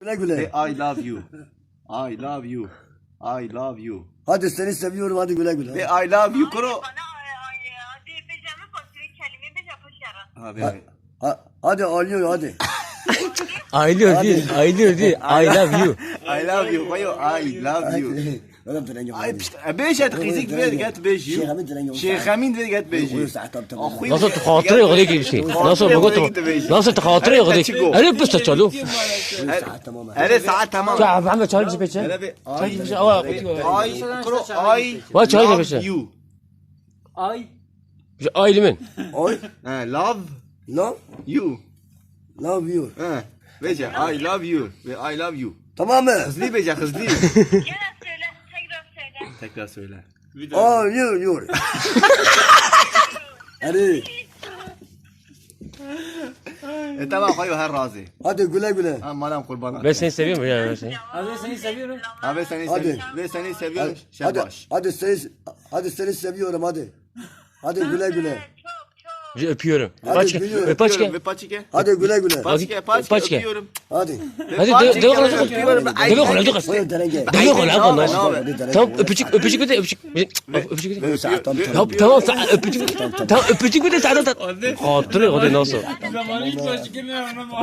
güle güle. Ve I love you. I love you. I love you. Hadi seni seviyorum hadi güle güle. Ve I love you koro. Bana hadi becemi basıyor kelime beca paşara. Abi. Hadi ağlıyor hadi. Aylıyor değil. I love you. I love you. Koyo I love you. Oğlum direnci var. Ay pişt. Beş et kızık ver get beş you. Şeyh Hamid ver get beş you. Nasıl تخاطري يغليك شيء nasıl nasıl تخاطري يغليك أنا بس تشالو Her saat tamam. يا محمد çay bize beçe Hele bir çay I bize ava koro I Var çay da beçe love you. Ay. aile min Oy. Love Love. you. Love you. Beşe I love you. Ve I love you. Tamam mı? Hızlı beşe hızlı. Gene söyle tekrar söyle. Tekrar söyle. Ağlıyor. Hadi. Tamam koyo her razı. Hadi güle güle. Aman kurban. ben seni seviyorum ya ben seni Abi seni seviyorum. Abi seni Hadi. seviyorum. Ve seni seviyorum. Hadi. Şabaş. Hadi seni seviyorum hadi. Hadi güle güle. Çok çok. öpüyorum Hadi paçke gülüyorum. paçke Ve paçike. Hadi güle güle. Paçike Paçike. öpüyorum. Hadi. hadi Paçike deve kola öpüyorum. deve kola deve Koy derece. kola Ne kola haber? tamam öpücük bir de öpücük bir de Tamam. tamam öpücük bir de sana da خاطري غادي نوصل Zamanı hiç başka